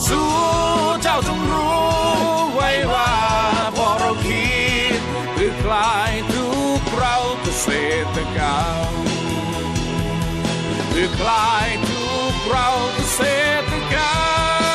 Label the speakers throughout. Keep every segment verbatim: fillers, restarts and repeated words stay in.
Speaker 1: สู้เจ้าจงรู้ไว้ว่าพอเราคิดเพื่อคลายทุกข์เราเกษตรกรรมเพื่อคลายทุกข์เราเกษตรกรรม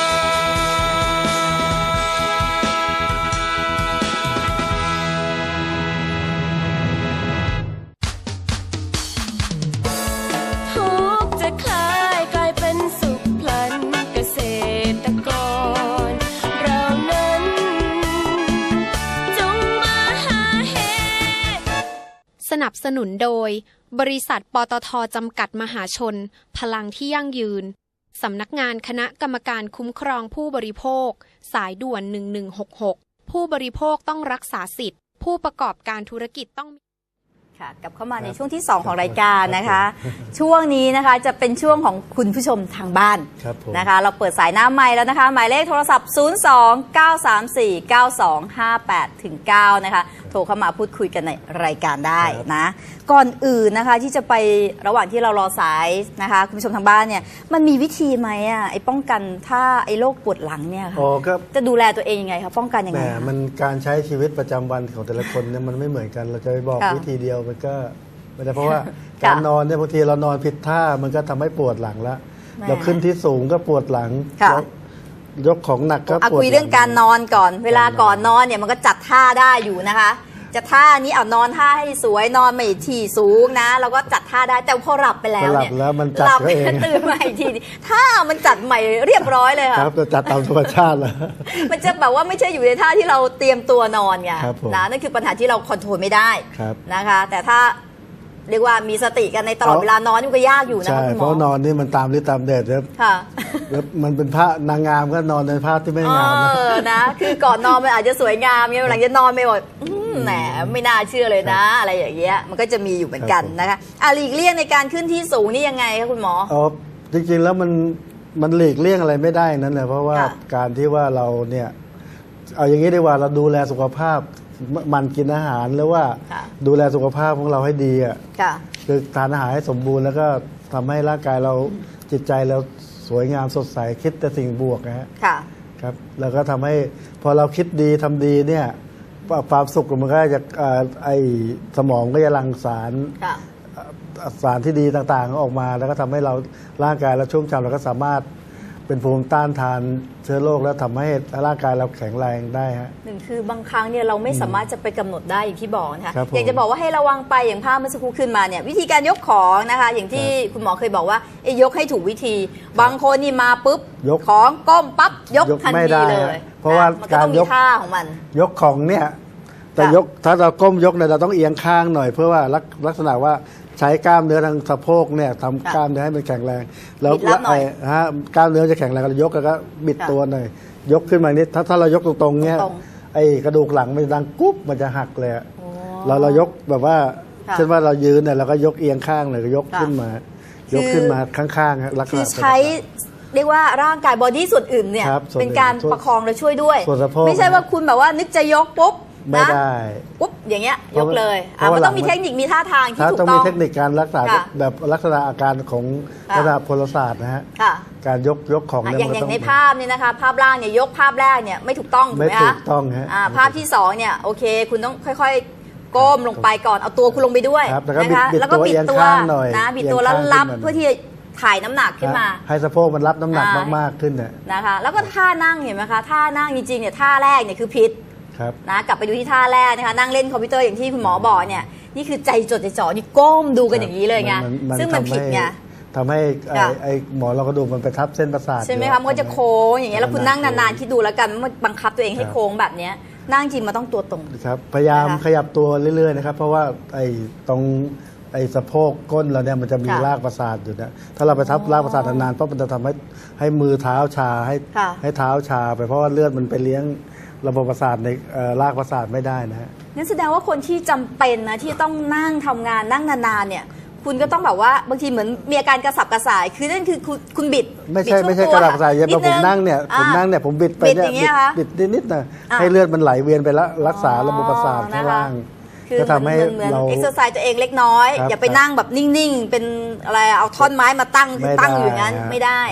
Speaker 2: สนับสนุนโดยบริษัทปตท.จำกัดมหาชนพลังที่ยั่งยืนสำนักงานคณะกรรมการคุ้มครองผู้บริโภคสายด่วนหนึ่งหนึ่งหกหกผู้บริโภคต้องรักษาสิทธิ์ผู้ประกอบการธุรกิจต้อง
Speaker 3: ค่ะกลับเข้ามาในช่วงที่สองของรายการนะคะช่วงนี้นะคะจะเป็นช่วงของคุณผู้ชมทางบ้านนะคะเราเปิดสายหน้าไมค์แล้วนะคะหมายเลขโทรศัพท์ศูนย์ สอง เก้า สาม สี่ เก้า สอง ห้า แปด ถึง เก้านะคะโทรเข้ามาพูดคุยกันในรายการได้นะก่อนอื่นนะคะที่จะไประหว่างที่เรารอสายนะคะคุณผู้ชมทางบ้านเนี่ยมันมีวิธีไหมอ่ะไอ้ป้องกันถ้าไอ้โรคปวดหลังเนี่ยค่ะจะดูแลตัวเองยังไงคะป้องกันยังไง
Speaker 4: มันการใช้ชีวิตประจำวันของแต่ละคนเนี่ยมันไม่เหมือนกันเราจะไปบอกวิธีเดียวมันก็ไม่ได้เพราะว่าการนอนเนี่ยบางทีเรานอนผิดท่ามันก็ทำให้ปวดหลังละเราขึ้นที่สูงก็ปวดหลังยกของหนักก็ปวด
Speaker 3: คุยเรื่องการนอนก่อนเวลาก่อนนอนเนี่ยมันก็จัดท่าได้อยู่นะคะจะท่านี้เอานอนท่าให้สวยนอนไม่ที่สูงนะเราก็จัดท่าได้แต่พอหลับไปแล้วเนี่ย
Speaker 4: หลับแล้วมันจัดเอง
Speaker 3: ตื่นมาอีกทีท่ามันจัดใหม่เรียบร้อยเลยค่ะ
Speaker 4: ครับจะจัดตามธรรมชาติแล้ว
Speaker 3: มันจะแบบว่าไม่ใช่อยู่ในท่าที่เราเตรียมตัวนอนไงนะนั่นคือปัญหาที่เราคอนโทรลไม่ได้นะคะแต่ถ้าเรียกว่ามีสติกันในตลอดเวลานอนนี่ก็ยากอยู่นะคุณหมอ
Speaker 4: เพราะนอนนี่มันตามฤทธิ์ตามแดดครับ
Speaker 3: ค่ะ
Speaker 4: แล้วมันเป็นผ้านางงามก็นอนในผ้าที่ไม่งามนะ
Speaker 3: เออนะคือก่อนนอนมันอาจจะสวยงามเนี่ยหลังจะนอนไม่หมดแหมไม่น่าเชื่อเลยนะอะไรอย่างเงี้ยมันก็จะมีอยู่เหมือนกันนะคะอ่ะหลีกเลี่ยงในการขึ้นที่สูงนี่ยังไงคะคุณหมอ
Speaker 4: อ๋อจริงๆแล้วมันมันหลีกเลี่ยงอะไรไม่ได้นั่นแหละเพราะว่าการที่ว่าเราเนี่ยเอาอย่างนี้ดีกว่าเราดูแลสุขภาพมันกินอาหารหรือว่าดูแลสุขภาพของเราให้ดีอ่ะคือทานอาหารให้สมบูรณ์แล้วก็ทำให้ร่างกายเราจิตใจเราสวยงามสดใสคิดแต่สิ่งบวกนะฮะครับแล้วก็ทำให้พอเราคิดดีทำดีเนี่ยความสุขมันก็จะไอสมองก็จะหลั่งสารสารที่ดีต่างๆออกมาแล้วก็ทำให้เราร่างกายเราชุ่มฉ่ำเราก็สามารถเป็นภูมิต้านทานเชื้อโรคแล้วทำให้ร่างกายเราแข็งแรงได้ฮะ
Speaker 3: หนึ่งคือบางครั้งเนี่ยเราไม่สามารถจะไปกำหนดได้อย่างที่บอกนะคะอยากจะบอกว่าให้ระวังไปอย่างภาพเมื่อสักครู่ขึ้นมาเนี่ยวิธีการยกของนะคะอย่างที่คุณหมอเคยบอกว่ายกให้ถูกวิธีบางคนนี่มาปุ๊บของก้มปั๊บยกทันทีเลย
Speaker 4: เพราะว่าการยก
Speaker 3: ท่าของมัน
Speaker 4: ยกของเนี่ยแต่ยกถ้าเราก้มยกเนี่ยเราต้องเอียงข้างหน่อยเพื่อว่าลักษณะว่าใช้กล้ามเนื้อทางสะโพกเนี่ยทำกล้ามเนื้อให้มันแข็งแรงแล้วฮะกล้ามเนื้อจะแข็งแรงเรายกแล้วก็บิดตัวหน่อยยกขึ้นมานิดถ้าถ้าเรายกตรงๆเนี่ยไอ้กระดูกหลังมันดังกุ๊บมันจะหักเลยเราเรายกแบบว่าเช่นว่าเรายืนเนี่ยเราก็ยกเอียงข้างเลยก็ยกขึ้นมายกขึ้นมาข้างๆลักษณะ
Speaker 3: ใช้เรียกว่าร่างกายบอดี้ส่วนอื่นเนี่ยเป็นการประคองและช่วยด้วยไม่ใช่ว่าคุณแบบว่านึกจะยกปุ๊บ
Speaker 4: ไม่ได้
Speaker 3: ปุ๊บอย่างเงี้ยยกเลยมันต้องมีเทคนิคมีท่าทางที่ถูกต้อง
Speaker 4: ต้องมีเทคนิคการรักษาแบบลักษณะอาการของระดับพลศาสตร์นะฮะการยกยกของ
Speaker 3: อย่างอย่างในภาพนี่นะคะภาพล่างเนี่ยยกภาพแรกเนี่ยไม่ถูกต้องถูกไหมคะ
Speaker 4: ไม่ถูกต้องฮะ
Speaker 3: ภาพที่สองเนี่ยโอเคคุณต้องค่อยๆก้มลงไปก่อนเอาตัวคุณลงไปด้วย
Speaker 4: นะคะแล้วก็บิดตัว
Speaker 3: นะบิดตัวแล้วรับเพื่อที่ถ่ายน้ำหนักขึ้นมา
Speaker 4: ให้สะโพกมันรับน้ำหนักมากๆขึ้น
Speaker 3: นะคะแล้วก็ท่านั่งเห็นไหมคะท่านั่งจริงๆเนี่ยท่าแรกเนี่ยคือผิดนะกลับไปดูที่ท่าแรกนะคะนั่งเล่นคอมพิวเตอร์อย่างที่คุณหมอบอกเนี่ยนี่คือใจจดใจจ่อนี่ก้มดูกันอย่างนี้เลยไงซึ่งมันผิดไง
Speaker 4: ทำให้ไอ้หมอเรากระดูกมันไปทับเส้นประสาท
Speaker 3: ใช่ไหมคะมันก็จะโค้งอย่างเงี้ยแล้วคุณนั่งนานๆคิดดูแล้วกันมันบังคับตัวเองให้โค้งแบบนี้นั่งจริงมันต้องตัวตรง
Speaker 4: ครับพยายามขยับตัวเรื่อยๆนะครับเพราะว่าไอ้ตรงไอ้สะโพกก้นเราเนี่ยมันจะมีรากประสาทอยู่นะถ้าเราไปทับรากประสาทนานๆเพราะมันจะทำให้ให้มือเท้าชาให้ให้เท้าชาไปเพราะว่าเลือดมันไปเลี้ยงระบบประสาทในรากประสาทไม่ได้นะฮะ
Speaker 3: นั่นแสดงว่าคนที่จำเป็นนะที่ต้องนั่งทำงานนั่งนานๆเนี่ยคุณก็ต้องแบบว่าบางทีเหมือนมีอาการกระสับกระส่ายคือนั่นคือคุณคุณบิด
Speaker 4: ไม่ใช่ไม่ใช่กระสับกระส่ายอย่างผมนั่งเนี่ยผมนั่งเนี่ยผมบิดไปเนี่ยบิดนิดๆนะให้เลือดมันไหลเวียนไปแล้วรักษาระบบประสาทข้างล่าง
Speaker 3: ก็ทำให้เราเอ็กซ์ไซส์ตัวเองเล็กน้อยอย่าไปนั่งแบบนิ่งๆเป็นอะไรเอาท่อนไม้มาตั้งตั้งอยู่อย่างนั้นไม่ได้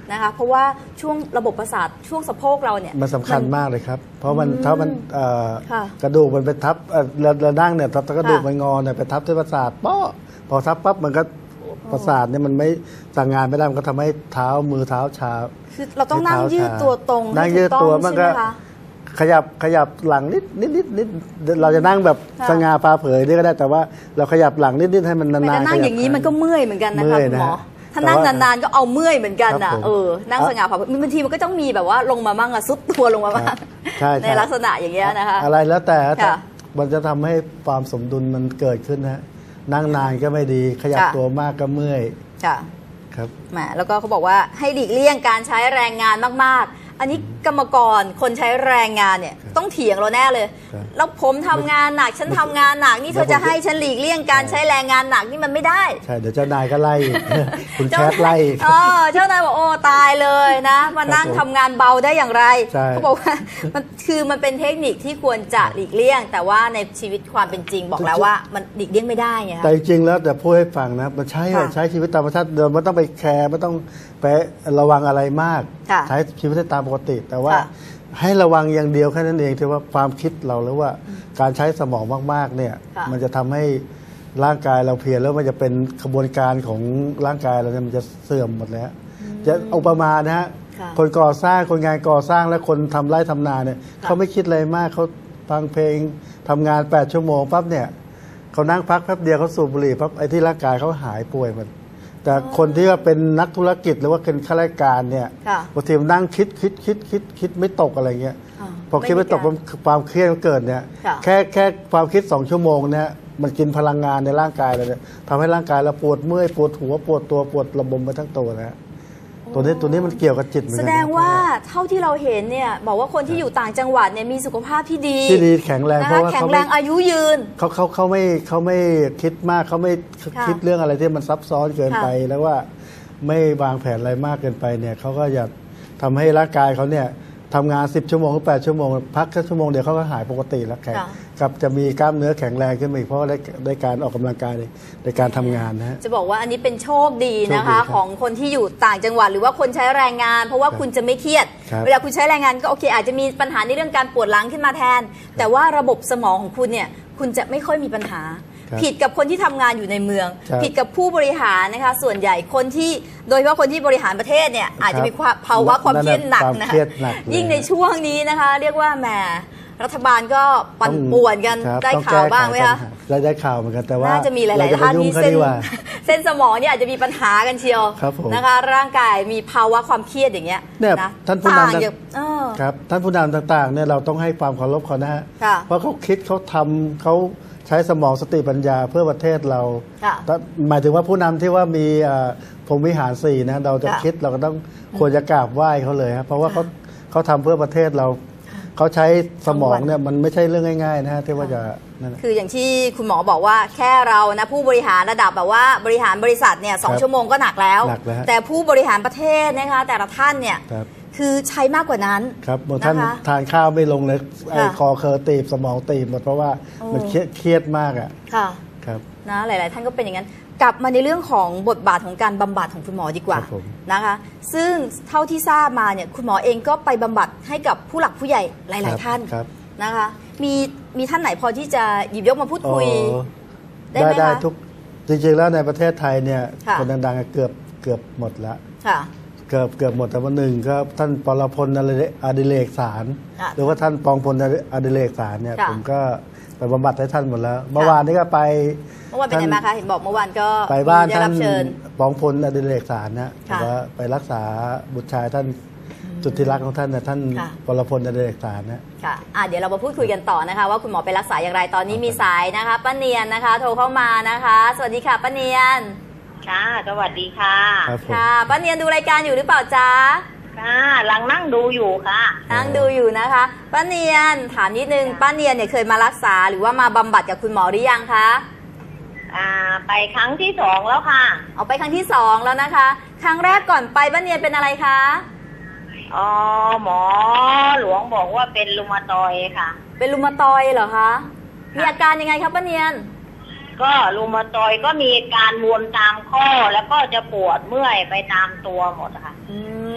Speaker 3: นะคะเพราะว่าช่วงระบบประสาทช่วงสะโพกเราเนี่ย
Speaker 4: มันสำคัญมากเลยครับเพราะมันถ้ามัน
Speaker 3: ค่ะ
Speaker 4: กระดูกมันไปทับเอ่อเราเรานั่งเนี่ยถ้ากระดูกมันงอเนี่ยไปทับที่ประสาทป๊อพอทับปั๊บมันก็ประสาทเนี่ยมันไม่สั่งงานไม่ได้มันก็ทำให้เท้ามือเท้าชา
Speaker 3: คือเราต้องนั่งยืดตัวตรง
Speaker 4: นั่งยืดตัวมันก็ขยับขยับหลังนิดนิดนิดนิดเราจะนั่งแบบสง่าผ่าเผยนี่ก็ได้แต่ว่าเราขยับหลังนิดนิดให้มันนานๆ
Speaker 3: แต่นั่งอย่างนี้มันก็เมื่อยเหมือนกันนะคะคุณหมอถ้านั่งนานๆก็เอาเมื่อยเหมือนกันอ่ะเออนั่งสง่าผ่าเผยบางทีมันก็ต้องมีแบบว่าลงมาบ้างอะซุดตัวลงมาบ้างในลักษณะอย่างเงี้ยนะคะ
Speaker 4: อะไรแล้วแต่มันจะทำให้ความสมดุลมันเกิดขึ้นนะนั่งนานก็ไม่ดีขยับตัวมากก็เมื่อย
Speaker 3: ค่ะ
Speaker 4: ครับ
Speaker 3: แหมแล้วก็เขาบอกว่าให้หลีกเลี่ยงการใช้แรงงานมากๆอันนี้กรรมกรคนใช้แรงงานเนี่ยต้องเถียงเราแน่เลยแล้วผมทำงานหนักฉันทำงานหนักนี่เธอจะให้ฉันหลีกเลี่ยงการใช้แรงงานหนักนี่มันไม่ได้
Speaker 4: ใช่เดี๋ยวเจ้านายก็ไล่คุณแคทไล่
Speaker 3: อ๋อเจ้านายบอกโอ้ตายเลยนะมานั่งทำงานเบาได้อย่างไรเขาบอกว่ามันคือมันเป็นเทคนิคที่ควรจะหลีกเลี่ยงแต่ว่าในชีวิตความเป็นจริงบอกแล้วว่ามันหลีกเลี่ยงไม่ได้ไง
Speaker 4: แต่จริงแล้วแต่พูดให้ฟังนะมันใช้ใช้ชีวิตตามธรรมชาติเดิมไม่ต้องไปแคร์ไม่ต้องไประวังอะไรมากใช้ชีวิตตามปกติแต่ว่าให้ระวังอย่างเดียวแค่นั้นเองที่ว่าความคิดเราหรือว่าการใช้สมองมากๆเนี่ยมันจะทำให้ร่างกายเราเพลียแล้วมันจะเป็นกระบวนการของร่างกายเราเนี่ยมันจะเสื่อมหมดแล้วจะอุปมานะฮะคนก่อสร้างคนงานก่อสร้างและคนทำไร่ทำนาเนี่ยเขาไม่คิดอะไรมากเขาฟังเพลงทำงานแปดชั่วโมงปั๊บเนี่ยเขานั่งพักแป๊บเดียวเขาสูบบุหรี่ปั๊บไอ้ที่ร่างกายเขาหายป่วยมันแต่คนที่ว่าเป็นนักธุรกิจหรือว่าเป็นข้าราชการเนี่ยบางทีมันนั่งคิดคิดคิดคิดคิดไม่ตกอะไรเงี้ยพอคิดไม่ตกความเครียดมันเกิดเนี่ยแค่แค่ความคิดสองชั่วโมงเนี่ยมันกินพลังงานในร่างกายเราเนี่ยทำให้ร่างกายเราปวดเมื่อยปวดหัวปวดตัวปวดระบมไปทั้งตัวนะตัวนี้ตัวนี้มันเกี่ยวกับจิตเหมือนกัน
Speaker 3: แสดงว่าเท่าที่เราเห็นเนี่ยบอกว่าคนที่อยู่ต่างจังหวัดเนี่ยมีสุขภาพที่ดี
Speaker 4: ที่ดีแข็งแรงเพราะว่า
Speaker 3: แข็งแรงอายุยืน
Speaker 4: เขาเขาเขาไม่เขาไม่คิดมากเขาไม่คิดเรื่องอะไรที่มันซับซ้อนเกินไปแล้วว่าไม่วางแผนอะไรมากเกินไปเนี่ยเขาก็อยากทำให้ร่างกายเขาเนี่ยทำงานสิบชั่วโมงหรือแปดชั่วโมงพักแค่ชั่วโมงเดียวเขาก็หายปกติแล้วแข็งกับจะมีกล้ามเนื้อแข็งแรงขึ้นมาอีกเพราะได้ได้การออกกำลังกายในการทำงานนะฮะ
Speaker 3: จะบอกว่าอันนี้เป็นโชคดีนะคะของคนที่อยู่ต่างจังหวัดหรือว่าคนใช้แรงงานเพราะว่าคุณจะไม่เครียดเวลาคุณใช้แรงงานก็โอเคอาจจะมีปัญหาในเรื่องการปวดหลังขึ้นมาแทนแต่ว่าระบบสมองของคุณเนี่ยคุณจะไม่ค่อยมีปัญหาผิดกับคนที่ทำงานอยู่ในเมืองผิดกับผู้บริหารนะคะส่วนใหญ่คนที่โดยเฉพาะคนที่บริหารประเทศเนี่ยอาจจะมีภาวะความเครียดหนักนะคะยิ่งในช่วงนี้นะคะเรียกว่าแหมรัฐบาลก็ปั่นป่วนกันได้ข่าวบ้างไหมคะ
Speaker 4: ได้ได้ข่าวเหมือนกันแต่ว่า
Speaker 3: น่าจะมีหลายๆท่านที่เส้นเส้นสมองเนี่ยอาจจะมีปัญหากันเชียวนะคะร่างกายมีภาวะความเครียดอย่างเงี้ย
Speaker 4: นะท่านผู้นำครับท่านผู้นำต่างๆเนี่ยเราต้องให้ความเคารพเขานะฮะเพราะเขาคิดเขาทำเขาใช้สมองสติปัญญาเพื่อประเทศเราหมายถึงว่าผู้นำที่ว่ามีพรหมวิหารสี่นะเราจะคิดเราก็ต้องควรจะกราบไหว้เขาเลยครับเพราะว่าเขาเขาทำเพื่อประเทศเราเขาใช้สมองเนี่ยมันไม่ใช่เรื่องง่ายๆนะฮะที่ว่าจะ
Speaker 3: คืออย่างที่คุณหมอบอกว่าแค่เรานะผู้บริหารระดับแบบว่าบริหารบริษัทเนี่ยสองชั่วโมงก็หนักแล้วแต่ผู้บริหารประเทศนะคะแต่ละท่านเนี่ยคือใช้มากกว่านั้น
Speaker 4: ครับบางท่านทานข้าวไม่ลงเลยไอ้คอเคอตีบสมองตีบหมดเพราะว่ามันเครียดมากอ่ะ
Speaker 3: ค่ะ
Speaker 4: ครับ
Speaker 3: นะหลายๆท่านก็เป็นอย่างนั้นกลับมาในเรื่องของบทบาทของการบำบัดของคุณหมอดีกว่านะคะซึ่งเท่าที่ทราบมาเนี่ยคุณหมอเองก็ไปบำบัดให้กับผู้หลักผู้ใหญ่หลายๆท่านนะคะมีมีท่านไหนพอที่จะหยิบยกมาพูดคุย
Speaker 4: ได้ไหมคะทุกจริงๆแล้วในประเทศไทยเนี่ยคนดังๆเกือบเกือบหมดแล้วเกือบเกือบหมดแต่ว่าหนึ่งก็ท่านปรพลอดิเรกสารหรือว่าท่านปองพลอดิเรกสารเนี่ยผมก็ไปบำบัดให้ท่านหมดแล้วเมื่อวานนี้ก็ไป
Speaker 3: เมื่อวานเป็นไงมาคะเห็นบอกเมื่อวานก็
Speaker 4: ไปบ้านท่านปองพลอดิเรกสารนะว่าไปรักษาบุตรชายท่านจุดที่รักของท่านนะท่านปรพลอดิเรกสารนะ
Speaker 3: ค่ะอ่ะเดี๋ยวเรามาพูดคุยกันต่อนะคะว่าคุณหมอไปรักษาอย่างไรตอนนี้มีสายนะคะป้าเนียนนะคะโทรเข้ามานะคะสวัสดีค่ะป้าเนียน
Speaker 5: ค่ะสวัสดีค่ะ
Speaker 3: ค่ะป้าเนียนดูรายการอยู่หรือเปล่าจ๊ะ
Speaker 5: ค่ะหลังนั่งดูอยู่ค่ะ
Speaker 3: นั่งดูอยู่นะคะป้าเนียนถามนิดนึงป้าเนียนเนี่ยเคยมารักษาหรือว่ามาบำบัดกับคุณหมอหรือยังคะ
Speaker 5: อ่าไปครั้งที่สองแล้วค่ะ
Speaker 3: เอาไปครั้งที่สองแล้วนะคะครั้งแรกก่อนไปป้าเนียนเป็นอะไรคะ
Speaker 5: อ๋อหมอหลวงบอกว่าเป็นรูมาตอยด์ค่ะ
Speaker 3: เป็นรูมาตอยด์เหรอคะมีอาการยังไงครับป้าเนียน
Speaker 5: ก็รูมาตอยด์ก็มีการบวมตามข้อแล้วก็จะปวดเมื่อยไปตามตัวหมดค่ะ
Speaker 3: อืม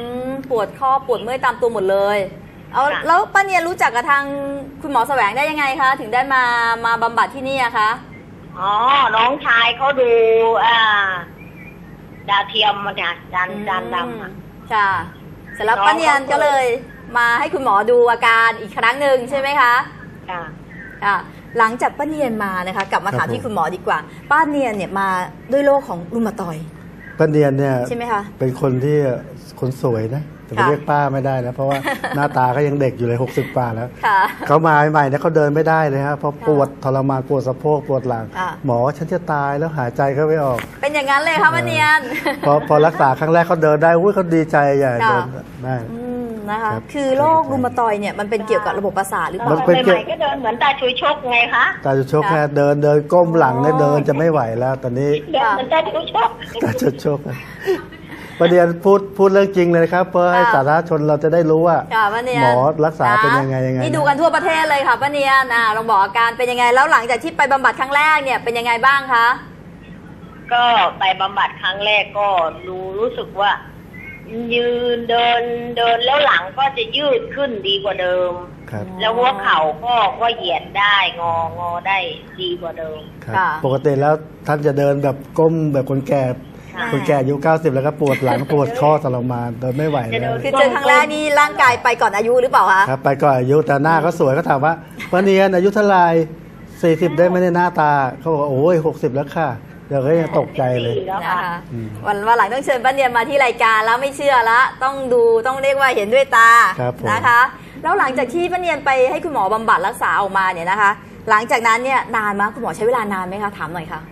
Speaker 3: ปวดข้อปวดเมื่อยตามตัวหมดเลยเอาแล้วป้าเนียนรู้จักกับทางคุณหมอแสวงได้ยังไงคะถึงได้มามาบำบัดที่นี่อะคะ
Speaker 5: อ๋อน้องชายเขาดูอ่าดาวเทียมมันเนี่ยจานจานดำอ่ะ
Speaker 3: ค่ะเสร็จแล้วป้าเนียนก็เลยมาให้คุณหมอดูอาการอีกครั้งหนึ่งใช่ไหมคะ
Speaker 5: ค่ะ
Speaker 3: ค่ะหลังจากป้าเนียนมานะคะกลับมาถามที่คุณหมอดีกว่าป้าเนียนเนี่ยมาด้วยโรคของรุมาตอยด์
Speaker 4: ป้าเนียนเนี่ย
Speaker 3: ใช่ไหมคะ
Speaker 4: เป็นคนที่คนสวยนะแต่ไปเรียกป้าไม่ได้นะเพราะว่าหน้าตาก็ยังเด็กอยู่เลยหกสิบกว่าแล้วเขามาใหม่ๆเนี่ยเขาเดินไม่ได้เลยฮะเพราะปวดทรมานปวดสะโพกปวดหลังหมอฉันจะตายแล้วหายใจเขาไม่ออก
Speaker 3: เป็นอย่างนั้นเลยค่ะป้าเนียน
Speaker 4: พอพอรักษาครั้งแรกเขาเดินได้อุ้ยเขาดีใจใหญ่เดินได้
Speaker 3: นะคะคือโรครุมาตอยด์เนี่ยมันเป็นเกี่ยวกับระบบประสาทหรือเปล่า
Speaker 5: ใหม่ๆก็เดินเหมือนตาชุยชกไงคะ
Speaker 4: ตาชุยชกแค่เดินเดินก้มหลังเนี่ยเดินจะไม่ไหวแล้วตอนนี้
Speaker 5: เดินเหมือนตาชุยชก
Speaker 4: ตาชุยชกประเด็นพูดพูดเรื่องจริงเลยครับเพื่อให้สาธารณชนเราจะได้รู้ว่าหมอรักษาเป็นยังไงยังไง
Speaker 3: นี่ดูกันทั่วประเทศเลยค่ะป้าเนียนอ่าลองบอกอาการเป็นยังไงแล้วหลังจากที่ไปบำบัดครั้งแรกเนี่ยเป็นยังไงบ้างคะ
Speaker 5: ก็ไปบำบัดครั้งแรกก็รู้รู้สึกว่ายืนเดินเดินแล้วหลังก็จะยืดขึ้นดีกว่าเดิมแล้วหัวเข่าก็ก็เหยียดได้งองอได้ดีกว่าเดิม
Speaker 4: ปกติแล้วท่านจะเดินแบบก้มแบบคนแก่คนแก่อายุเก้าสิบแล้วก็ปวดหลังปวดข้อทรมานเดินไม่ไหวแล้ว
Speaker 3: คือเจอครั้งแรกนี่ร่างกายไปก่อนอายุหรือเปล่าคะ
Speaker 4: ครับไปก่อนอายุแต่หน้าก็สวยก็ถามว่าป้าเนียนอายุเท่าไหร่สี่สิบได้ไหมในหน้าตาเขาบอกโอ้ยหกสิบแล้วค่ะเดี๋ยวก็ยังตกใจเลย
Speaker 3: นะคะวันวันหลังต้องเชิญป้าเนียนมาที่รายการแล้วไม่เชื่อละต้องดูต้องเรียกว่าเห็นด้วยตานะคะแล้วหลังจากที่ป้าเนียนไปให้คุณหมอบำบัดรักษาออกมาเนี่ยนะคะหลังจากนั้นเนี่ยนานมั้ยคุณหมอใช้เวลานานไหมคะถามหน่อยค่ะ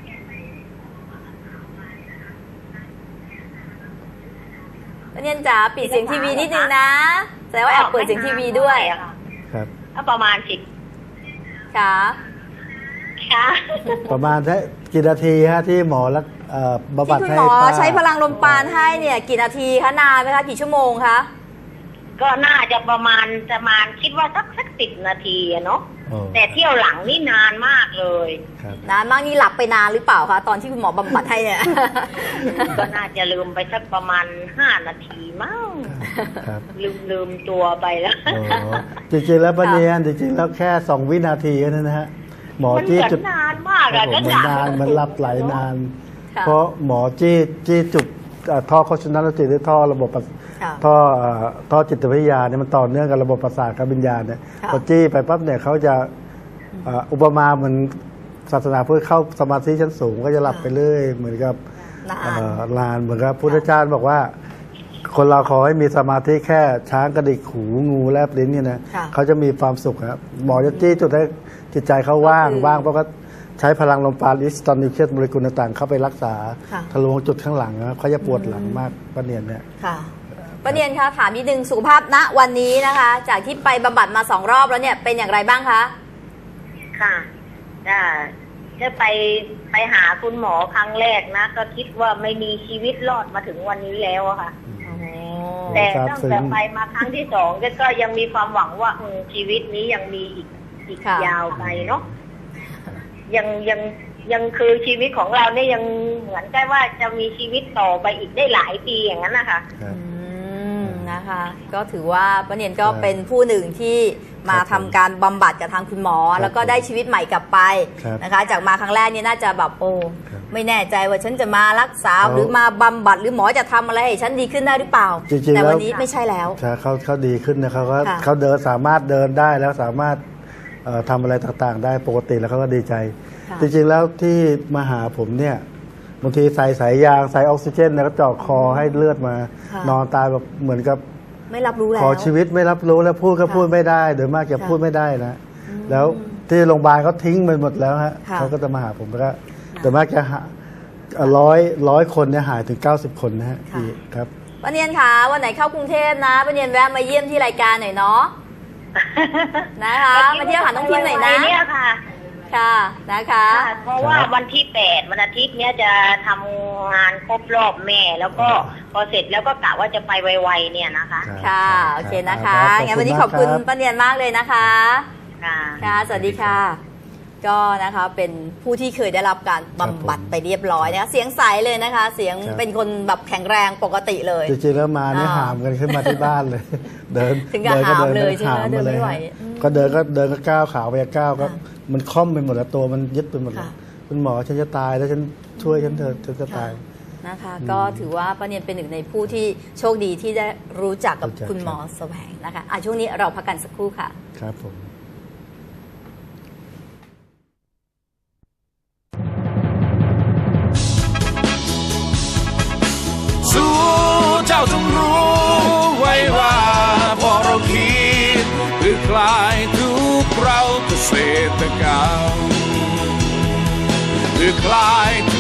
Speaker 3: ป้าเนียนจ๋าปิดเสียงทีวีนิดนึงนะแสดงว่าแอบเปิดเสียงทีวีด้วย
Speaker 4: ครับ
Speaker 5: ก็ประมาณสิบ
Speaker 3: ค่ะ
Speaker 4: ประมาณแค่กี่นาทีฮะที่หมอรักบำบัดให้
Speaker 3: ที่คุณหมอใช้พลังลมปราณให้เนี่ยกี่นาทีคะนานไหมคะกี่ชั่วโมงคะ
Speaker 5: ก็น่าจะประมาณประมาณคิดว่าสักสักสิบนาทีเนาะแต่เที่ยวหลังนี่นานมากเลย
Speaker 3: นานมากนี่หลับไปนานหรือเปล่าคะตอนที่คุณหมอบำบัดให้เนี่ย
Speaker 5: ก็น่าจะลืมไปสักประมาณห้านาทีมั้งลืมลืมตัวไปแล้ว
Speaker 4: จริงๆแล้วป้าเนียนจริงๆแล้วแค่สองวินาทีนั่นนะฮะหมอจี้จุด
Speaker 5: นานมากอะก็
Speaker 4: นานมันรับไหลนานเพราะหมอจี้จี้จุดท่อโคชนัลจิตหรือท่อระบบท่อท่อจิตวิทยาเนี่ยมันต่อเนื่องกับระบบประสาทกับวิญญาณเนี่ยพอจี้ไปปั๊บเนี่ยเขาจะอุปมาเหมือนศาสนาพุทธเข้าสมาธิชั้นสูงก็จะหลับไปเรื่อยเหมือนกับนานเหมือนกับพุทธเจ้าบอกว่าคนเราขอให้มีสมาธิแค่ช้างกระดิกหูงูแลบลิ้นเนี่ยนะเขาจะมีความสุขครับหมอจะจี้จุดให้จิตใจเขาว่างว่างเพราะก็ใช้พลังลมปราณอิสตันนิวเคลียสโมเลกุลต่างๆเข้าไปรักษาทะลุจุดข้างหลังนะเขาจะปวดหลังมากป้าเนียนเนี่ย
Speaker 3: ค่ะป้าเนียนคะถามนิดนึงสุขภาพณวันนี้นะคะจากที่ไปบำบัดมาสองรอบแล้วเนี่ยเป็นอย่างไรบ้างคะ
Speaker 5: ค่ะจะจะไปไปหาคุณหมอครั้งแรกนะก็คิดว่าไม่มีชีวิตรอดมาถึงวันนี้แล้วอะค่ะแต่ตั้งแต่ไปมาครั้งที่สองก็ยังมีความหวังว่าชีวิตนี้ยังมีอีกอีกยาวไปเนาะยังยังยังคือชีวิตของเราเนี่ยยังเหมือนกับว่าจะมีชีวิตต่อไปอีกได้หลายปีอย่างนั้นนะคะ
Speaker 3: อืมนะคะก็ถือว่าป้าเนียนก็เป็นผู้หนึ่งที่มาทำการบำบัดกับทางคุณหมอแล้วก็ได้ชีวิตใหม่กลับไปนะคะจากมาครั้งแรกนี่น่าจะแบบโอ้ไม่แน่ใจว่าฉันจะมารักษาหรือมาบำบัดหรือหมอจะทำอะไรให้ฉันดีขึ้นได้หรือเปล่าแต่วันนี้ไม่ใช่แล้ว
Speaker 4: เขาเขาดีขึ้นนะเขาก็เขาเดินสามารถเดินได้แล้วสามารถทำอะไรต่างๆได้ปกติแล้วเขาก็ดีใจจริงๆแล้วที่มาหาผมเนี่ยบางทีใส่สายยางใส่ออกซิเจนแล้วก็เจาะคอให้เลือดมานอนตายแบบเหมือนกับ
Speaker 3: ไม่รับรู้แล้ว
Speaker 4: ขอชีวิตไม่รับรู้แล้วพูดก็พูดไม่ได้โดยมากจะพูดไม่ได้นะแล้วที่โรงพยาบาลเขาทิ้งไปหมดแล้วฮะเขาก็จะมาหาผมแล้วก็โดยมากจะร้อยร้อยคนเนี่ยหายถึงเก้าสิบคนนะฮะครับ
Speaker 3: ป้าเนียนคะวันไหนเข้ากรุงเทพนะป้าเนียนแวะมาเยี่ยมที่รายการหน่อยเนาะนะคะมาเที่ยวหาน้องพิมหน่อยนะ
Speaker 5: เนี่ยค่ะ
Speaker 3: ค่ะนะคะ
Speaker 5: เพราะว่าวันที่แปดวันอาทิตย์เนี้ยจะทำงานครบรอบแม่แล้วก็พอเสร็จแล้วก็กะว่าจะไปไวๆเนี่ยนะคะ
Speaker 3: ค่ะโอเคนะคะงั้นวันนี้ขอบคุณป้าเนียนมากเลยนะคะค่ะสวัสดีค่ะก็นะคะเป็นผู้ที่เคยได้รับการบำบัดไปเรียบร้อยนะคะเสียงใสเลยนะคะ เสียงเป็นคนแบบแข็งแรงปกติเลย
Speaker 4: จริงๆแล้วมาเนี่ยหามกันขึ้นมาที่บ้านเลยเดิน
Speaker 3: ถึงกับหามเลยใช่ไหมเดินไม่ไหว
Speaker 4: ก็เดินก็เดินก็ก้าวขาไปก้าวก็มันค่อมไปหมดแล้วตัวมันยึดไปหมดเลยคุณหมอฉันจะตายแล้วฉันช่วยฉันเถอะฉันจะตาย
Speaker 3: นะคะก็ถือว่าป้าเนียนเป็นหนึ่งในผู้ที่โชคดีที่ได้รู้จักกับคุณหมอแสวงนะคะอ่ะช่วงนี้เราพักกันสักครู่ค่ะ
Speaker 4: ครับผม
Speaker 1: สู้เจ้าจงรู้ไว้ว่าพอเราคิดเพื่อคลายทุกข์เราเกษตรกรรมเพื่อคลาย